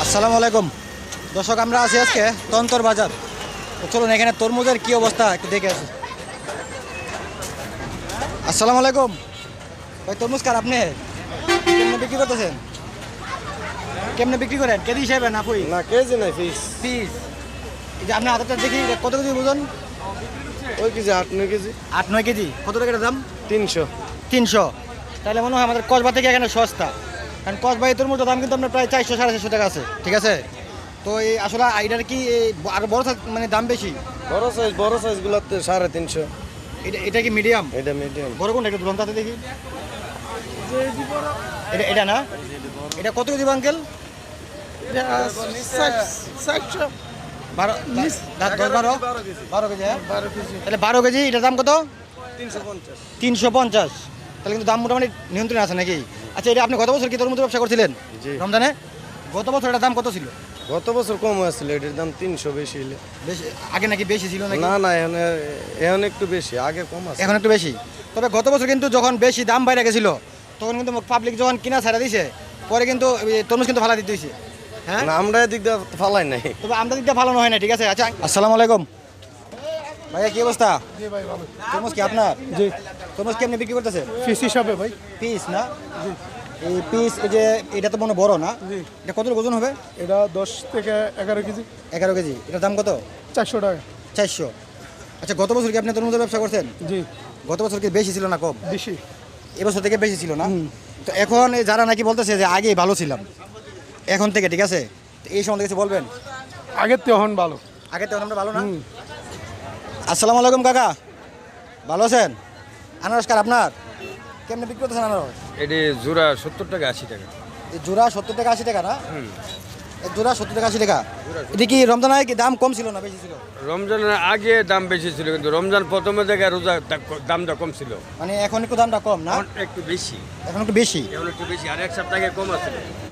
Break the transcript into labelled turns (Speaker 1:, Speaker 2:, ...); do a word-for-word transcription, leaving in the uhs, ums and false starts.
Speaker 1: আসসালামু আলাইকুম দর্শক, আমরা আছি আজকে তন্তর বাজার। তো চলুন এখানে তরমুজের কি অবস্থা একটু দেখে আসি। আসসালামু আলাইকুম ভাই, তরমুজ কার আপনি কেমনে বিক্রি করতেছেন? কেমনে বিক্রি করেন? কেজি হিসাবে না ফুই
Speaker 2: না কেজি নাই পিস
Speaker 1: পিস? এই যে আপনার হাতটা দেখি, এটা কত কেজি বুঝুন?
Speaker 2: ওই কেজি আট নয় কেজি
Speaker 1: আট নয় কেজি। কত টাকার দাম?
Speaker 2: তিনশো
Speaker 1: তিনশো। তাহলে মনে হয় আমাদের কসবা থেকে এখানে সস্তা, কারণ কসবা এই তরমুজের দাম কিন্তু আপনার প্রায় চারশো সাড়ে চারশো টাকা আছে, ঠিক আছে? তো এই আসলে এটার কি আরো বড় size মানে দাম বেশি?
Speaker 2: বড় সাইজ বড় সাইজ গুলাতে সাড়ে তিনশো।
Speaker 1: এটা এটা কি মিডিয়াম?
Speaker 2: এটা মিডিয়াম।
Speaker 1: বড় কোনটা একটু ধরুন তাতে দেখি। এটা এটা না, এটা কত কেজি আঙ্কেল? বারো দশ বারো বারো কেজি। হ্যাঁ তাহলে বারো কেজি, এটার দাম কত?
Speaker 2: তিনশো পঞ্চাশ।
Speaker 1: তিনশো পঞ্চাশ। তাহলে কিন্তু দাম মোটামুটি নিয়ন্ত্রণে আছে নাকি? আচ্ছা, এটা আপনি গত বছর কি তরমুজের ব্যবসা করছিলেন
Speaker 2: জি।
Speaker 1: রমজানে? গত বছর এটার দাম কত ছিল?
Speaker 2: গত বছর কম হয়েছিল, এটার দাম তিনশো বেশি হইলে।
Speaker 1: বেশি আগে নাকি বেশি ছিল নাকি?
Speaker 2: না না এখন এখন একটু বেশি, আগে কম আছে।
Speaker 1: এখন একটু বেশি। তবে গত বছর কিন্তু যখন বেশি দাম বাইরে গেছিল তখন কিন্তু পাবলিক যখন কিনা ছাড়া দিছে, পরে কিন্তু এই তরমুজ কিন্তু ফালা দিতে হয়েছে। হ্যাঁ,
Speaker 2: না আমরা এদিক দিয়ে ফালাই নাই।
Speaker 1: তবে আমদানি দিকটা ভালো হয় না, ঠিক আছে? আচ্ছা, আসসালামু আলাইকুম ভাইয়া, কি অবস্থা?
Speaker 3: জি ভাই ভালো।
Speaker 1: তরমুজ কি আপনার?
Speaker 3: জি
Speaker 1: তরমুজ কেমনি বিক্রি করতেছে?
Speaker 3: ফিস হিসাবে ভাই।
Speaker 1: পিস না? এই পিস, এই যে এটা তো মনে হয় বড় না?
Speaker 3: জি
Speaker 1: এটা কত ওজন হবে?
Speaker 3: এটা দশ থেকে এগারো কেজি।
Speaker 1: এগারো কেজি। এটার দাম কত?
Speaker 3: চারশো টাকা।
Speaker 1: চারশো। আচ্ছা, গত বছর কি আপনি তরমুজের ব্যবসা করছেন?
Speaker 3: জি
Speaker 1: গত বছর কি বেশি ছিল না কম?
Speaker 3: বেশি।
Speaker 1: এবছর থেকে বেশি ছিল না? তো এখন এই যারা নাকি বলতেছে যে আগেই ভালো ছিলাম এখন থেকে, ঠিক আছে? তো এই সম্বন্ধে কিছু বলবেন?
Speaker 3: আগের তো এখন ভালো।
Speaker 1: আগে তো আমরা ভালো না? আসসালামু আলাইকুম কাকা, ভালো আছেন? আনারস কার আপনার? কেমনে বিক্রি করতেছেন আনারস?
Speaker 4: এটি জোড়া সত্তর টাকা আশি টাকা।
Speaker 1: এই জোড়া সত্তর টাকা আশি টাকা না? এই জোড়া সত্তর টাকা আশি টাকা। এটা কি রমজান আগে কি দাম কম ছিল না বেশি ছিল?
Speaker 4: রমজানের আগে দাম বেশি ছিল, কিন্তু রমজান প্রথমে জায়গায় রোজা দা- দামটা কম ছিল।
Speaker 1: মানে এখন একটু দামটা কম না?
Speaker 4: এখন একটু বেশি,
Speaker 1: এখন একটু বেশি।
Speaker 4: এখন একটু বেশি, আর এক সপ্তাহ আগে কম আছে।